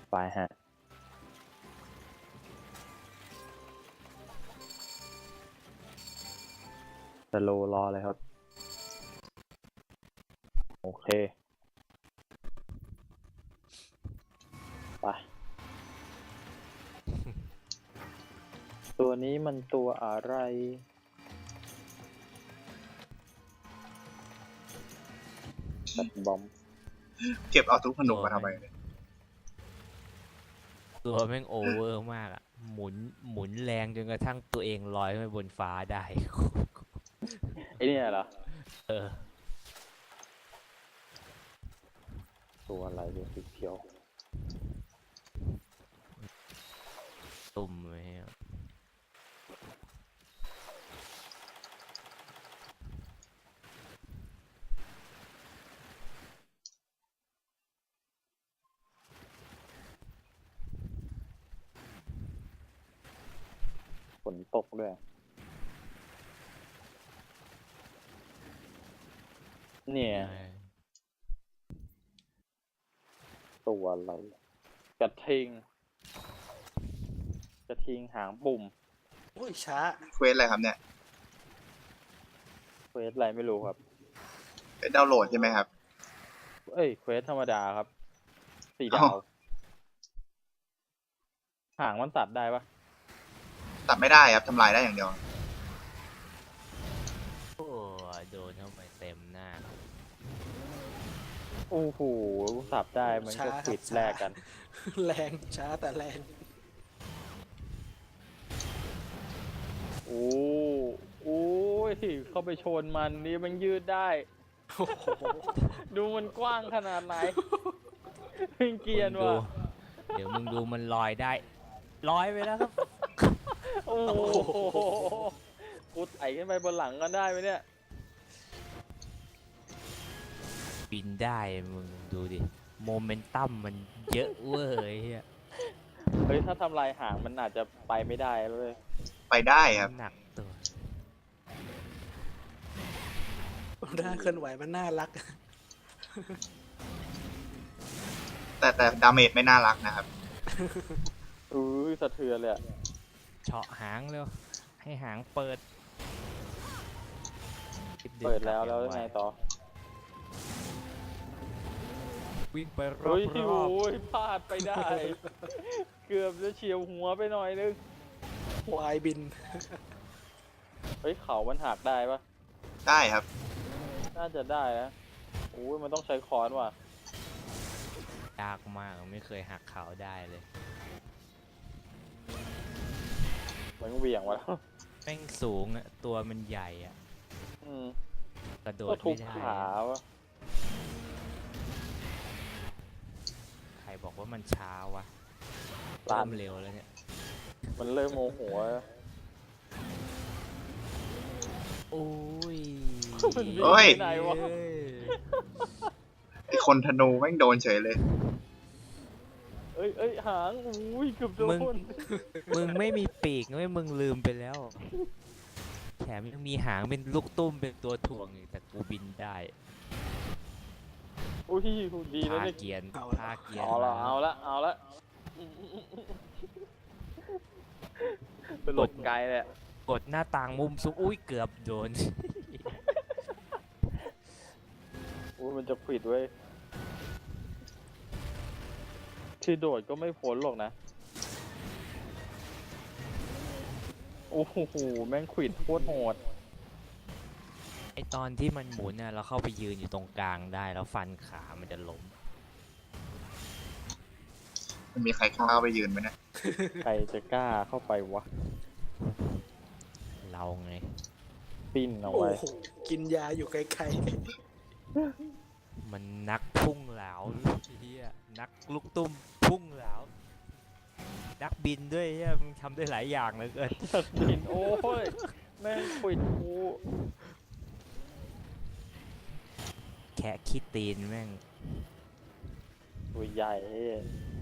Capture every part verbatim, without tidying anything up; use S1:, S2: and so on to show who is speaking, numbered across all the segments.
S1: ไปฮะสโลรอเลยครับ โอเค ไป ตัวนี้มันตัวอะไรตัดบอม
S2: เก็บเอาทุกผนุมาทำไมเนี่ย
S3: ตัวแม่งโอเวอร์มากอ่ะ หมุนหมุนแรงจนกระทั่งตัวเองลอยขึ้นไปบนฟ้าได้
S1: ไอเนี่ยเหรอ
S3: เออ
S1: ตัวอะไรเนี่ยสีเขียว
S3: ตุ่มเลยอะ
S1: ฝนตกด้วย เนี่ย ตัวอะไร กระทิง กระทิงหางปุ่ม
S4: อุ้ยช้า
S2: เควสอะไรครับเนี่ย
S1: เควสอะไรไม่รู้ครับ
S2: เป็นดาวน์โหลดใช่ไหมครับ
S1: เอ้ย เควสธรรมดาครับ สี่ดา
S2: อ้าว
S1: ว หางมันตัดได้ปะ
S2: ตัดไม่ได้ครับทำลายได้อย่างเดียว
S3: โอ้โดนเข้าไปเต็มหน้า
S1: โอ้โหสับได้มันก็
S4: ช้าครับ
S1: ปิด
S4: ช้า
S1: แลกกัน
S4: แรงช้าแต่แรง
S1: โอ้โอ้ยเข้าไปชนมันนี่มันยืดได้
S4: โอ้โห
S1: ดูมันกว้างขนาดไหน เป็นเกรียนว่ะ
S3: เดี๋ยวมึงดูมันลอยได้ ลอยไปแล้วครับ
S1: โอ้โหกูไต่ขึ้นไปบนหลังกันได้ไหมเนี่ย
S3: บินได้มึงดูดิ โมเมนตัมมันเยอะเว้ยไอ้เหี้ย
S1: เฮ้ยถ้าทำลายหางมันอาจจะไปไม่ได้เลย
S2: ไปได้ครับ
S3: หนักตัว
S4: หน้าเคลื่อนไหวมันน่ารัก
S2: แต่แต่ดาเมจไม่น่ารักนะครับ
S1: อุ้ยสะเทือนเลยอะ
S3: เฉาะหางเร็ว ให้หางเปิด
S1: เปิดแล้วแล้วไงต่อ
S3: วิ่งไปรอ
S1: เฮ้ย
S3: บ
S1: โอ้ยพลาดไปได้ เกือบจะเฉียวหัวไปหน่อยนึง
S4: วายบิน
S1: เฮ้ยเขามันหักได้ปะ
S2: ได้ครับ
S1: น่าจะได้นะโอ้ยมันต้องใช้ค้อนว่ะ
S3: ยากมากไม่เคยหักเขาได้เลย
S1: มันเหวี่ยงวะแล้ว
S3: แม่งสูงอะตัวมันใหญ่อะ
S1: อืม
S3: กระโด
S1: ก็
S3: ด
S1: ทุ
S3: ไม่
S1: บ
S3: ได้
S1: ขาวะ
S3: ใครบอกว่ามันช้าวะ
S1: ตา
S3: เริ่
S1: ม
S3: มเร็วแล้วเนี่ย
S1: มันเริ่มโมโหแล้ว
S3: โอ้ย
S1: มันวิ่ง
S2: เฮ้ย
S1: ไปไหนวะ
S3: เอ้ย
S2: ไอคนธนูแม่งโดนเฉยเลย
S1: เอ้ยเอ้ยหางอุ้ยเกือบโด
S3: มึง
S1: น
S3: มึงไม่มีปีกไม่มึงลืมไปแล้ว แถมยังมีหางเป็นลูกตุ้มเป็นตัวถ่วงอีกแต่กูบินได้
S1: อุ้ยดีนะ
S3: ท่า
S1: เนี่ย
S3: เกียน
S4: เอาละ
S3: ท่าเกียน
S1: เอาละ
S3: ม
S1: เอาละเอาละเป็นหลบไกลเลยอะ
S3: กดหน้าต่างมุมสูงอุ้ยเกือบโดน
S1: อุ้ยมันจะผิดเว้ยคือโดดก็ไม่พ้นหรอกนะโอ้โหแม่งขวิดโคตรโหด
S3: ไอตอนที่มันหมุนน่ะเราเข้าไปยืนอยู่ตรงกลางได้แล้วฟันขามันจะล้ม
S2: มันมีใครกล้าไปยืนไหมเนะ
S1: ใครจะกล้าเข้าไปวะ
S3: เราไง
S1: ปิ้นเอา
S4: โอ้
S1: ไว้
S4: โห กินยาอยู่ไกล
S3: มันนักพุ่งเหลาเฮียนักลูกตุ้มพุ่งเหลานักบินด้วยเฮียมึงทำได้หลายอย่างเหลยเกิน
S1: ปิ้นโอ้ยแม่งขวิดกู
S3: แค่คิดตีนแม่ง
S1: ตัวใหญ่เฮ้ย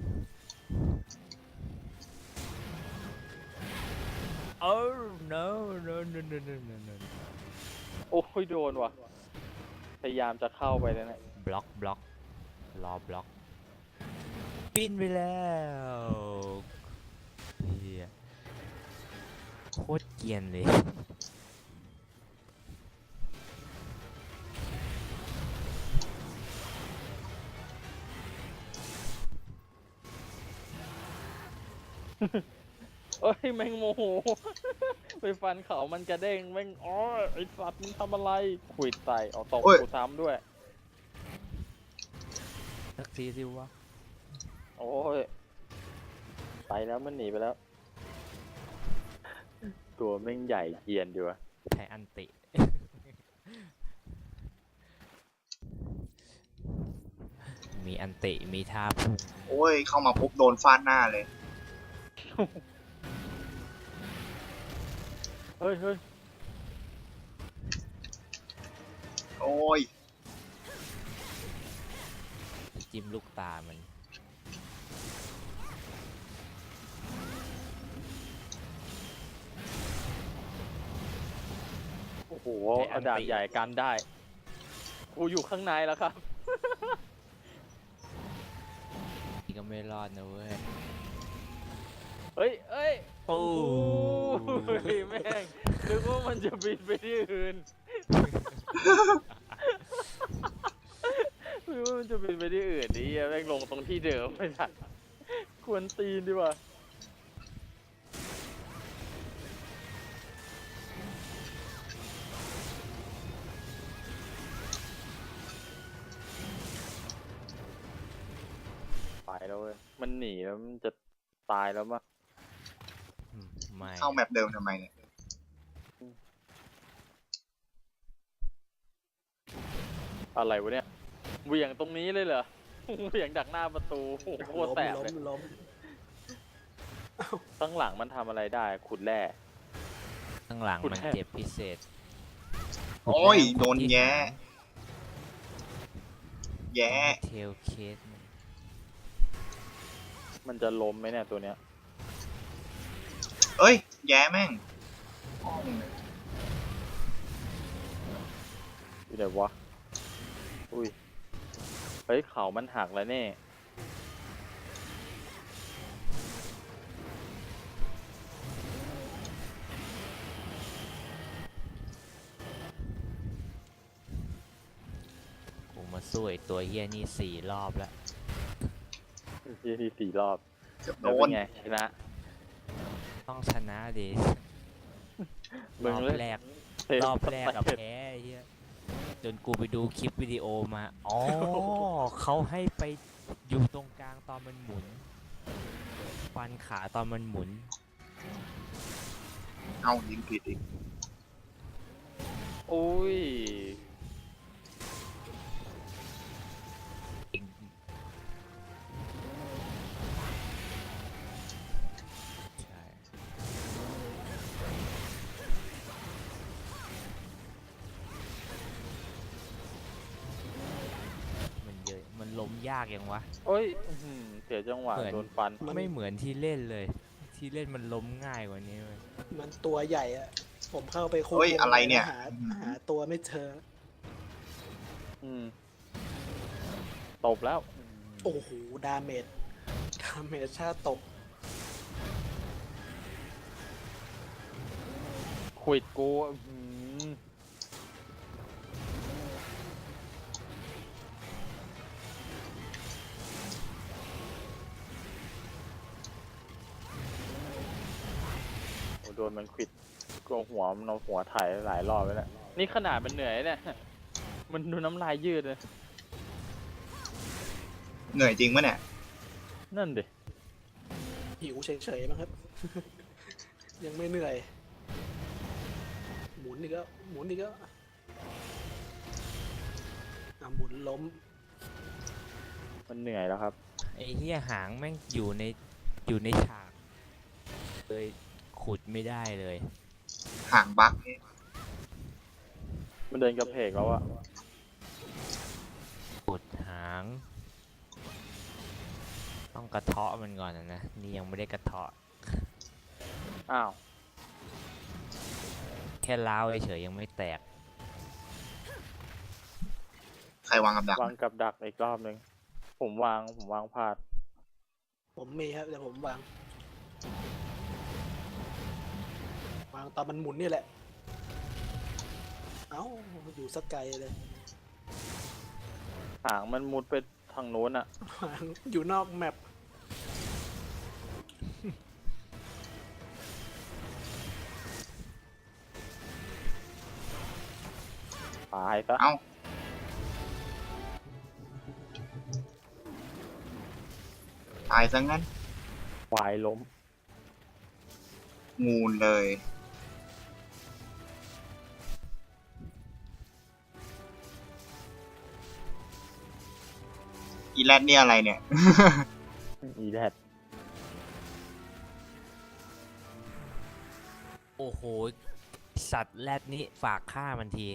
S3: โอ้ no no no no no no no
S1: โอ้ยโดนว่ะพยายามจะเข้าไปแล้วเนี่ย
S3: บล็อกบล็อกรอบล็อกบินไปแล้วเฮียโคตรเกรียนเลย
S1: เอ้ยแม่งโมโห ไปฟันเขามันกระเด้งแม่งอ๋อไอสัตว์มึงทำอะไรขวิดใส่เอาตกกูซ้ำด้วย
S3: สักทีสิวะ
S1: โอ้ยไปแล้วมันหนีไปแล้ว ตัวแม่งใหญ่เกรียนดีวะ
S3: แพ้อันติ มีอันติมีท่าพุ่ง
S2: โอ้ยเข้ามาปุ๊บโดนฟาดหน้าเลย
S1: เฮ้ยเฮ้ย
S2: โอ้ย
S3: จิ้มลูกตามัน
S1: โอ้โหเอาดาบใหญ่กันได้กูอยู่ข้างในแล้วครับ
S3: นี่ก็ไม่รอดนะเว้ย
S1: เฮ้ยเฮ้ย
S3: โอ้
S1: โอ้ยแม่งนึกว่ามันจะบินไปที่อื่น นึกว่ามันจะบินไปที่อื่นนี่แม่งลงตรงที่เดิมไม่ทันควรตีนดีกว่าไปแล้วเว้ยมันหนีแล้วมันจะตายแล้วมั้ง
S3: อืมไม่
S2: เข้าแมปเดิมทำไมเนี่ย
S1: อะไรวะเนี่ยเหวี่ยงตรงนี้เลยเหรอ เหวี่ยงดักหน้าประตูโอ้โหโคตร
S4: ล้ม
S1: แสบ
S4: ล้
S1: เล
S4: ม
S1: ย
S4: ล้ม
S1: ข้างหลังมันทำอะไรได้ขุดแร่
S3: ข้างหลัง
S1: คุณ
S3: มัน
S1: แทบ
S3: เจ็บพิเศษ
S2: โอ้ยโดนแย่แย่
S3: เทลเคสมัน
S1: มันจะล้มไหมเนี่ยตัวเนี้ย
S2: เอ้ยแย่แม่ง
S1: อยู่ไหนวะอุ้ยเฮ้ยเขามันหักแล้วเนี่ย
S3: กูมาสู้ไอ้ตัวเฮียนี่สี่รอบแล้ว
S1: ที่ที่สี่รอบ
S2: เกือบโด
S1: แล้วเป็น
S2: น
S1: ไงชนะ
S3: ต้องชนะดิ
S1: มึ
S3: รง อบ
S1: เล่น
S3: แรก
S1: เทป
S3: รอบแรกกับ
S1: สเต็ป
S3: แพ้ไอ้เฮียจนกูไปดูคลิปวิดีโอมา อ๋อ เขาให้ไปอยู่ตรงกลางตอนมันหมุน ฟันขาตอนมันหมุน
S2: เอายิงผิดอีก
S1: อุ้ย
S3: ใช่ มันเยอะ มันล้มยากยังวะ
S1: โอ้ยอื้อหือเสียจังหวะ
S3: เหมือน
S1: โดนฟัน
S3: ไม่เหมือนที่เล่นเลย ที่เล่นมันล้มง่ายกว่านี้เว้ย
S4: มันตัวใหญ่อะผมเข้าไปคุ
S2: เฮ้ยอะไรเนี่ย
S4: หาหาตัวไม่เจอ
S1: อืมตบแล้ว
S4: โอ้โหดาเมจดาเมจชาตก
S1: ขวิดกูอื้อหือโอ้โดนมันขวิดกลัวหัวมันเอาหัวถ่ายหลายรอบไปแล้วนี่ขนาดมันเหนื่อยเนี่ย มันดูน้ำลายยืดเลย
S2: เหนื่อยจริงปะเนี่ย
S1: นั่นดิ
S4: หิวเฉยๆมั้งครับ ยังไม่เหนื่อย หมุนอีกแล้วหมุนอีกแล้วอ่ะหมุนล้ม
S1: มันเหนื่อยแล้วครับ
S3: ไอ้เหี้ยหางแม่งอยู่ในอยู่ในฉากเลยขุดไม่ได้เลย
S2: ห่างบักนี่
S1: มันเดินกระเพกแล้วอะ
S3: ขุดหาง ต้องกระเทาะมันก่อนนะนะ นี่ยังไม่ได้กระเทาะ
S1: อ้าว
S3: แค่ล้าวเฉยๆยังไม่แตก
S2: ใครวางกับดัก
S1: วางกับดักอีกรอบหนึ่งผมวางผมวางพลาด
S4: ผมมีครับเดี๋ยวผมวางวางตอนมันหมุนนี่แหละเอ้าอยู่สักไกลเลย
S1: หางมันมุดไปทางโน้นอ่ะ
S4: วางอยู่นอกแมป
S1: ตายซะ
S2: เอ้าตายซะงั้น
S1: ควายล้ม
S2: งูเลย อีแรดนี่อะไรเนี่ย
S1: อีแดด
S3: โอ้โห สัตว์แรดนี้ฝากฆ่ามันที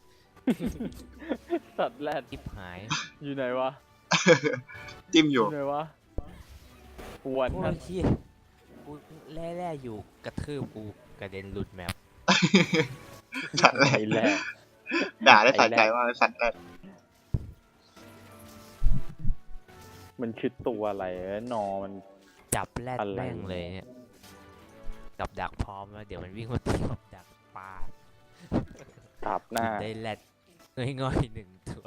S1: สัตว์แรด
S3: ทิบหาย
S1: อยู่ไหนวะ
S2: จิ้มอ
S1: อยู่ ยู่ไหนวะปวน
S3: โอ้
S1: นะ
S3: ยเชี่ยกูแร่ๆอยู่กระทืบกูกระเด็นหลุดแมป
S2: สัตว์แร
S1: ไอ้
S2: ด
S1: แรด
S2: ด่าได้
S1: ไอ้
S2: สะ
S1: แรด
S2: ใจว่ากเลยสัตว์แรด
S1: มันคือตัวอะไรเอ้ยนอมัน
S3: จับแรด
S1: อะไร
S3: แม่งเลยเนี่ยกับดักพร้อมแล้วเดี๋ยวมันวิ่งมาตีกับดักปลา
S1: ตับหน้า
S3: ได้แรดง่อยๆหนึ่งตัว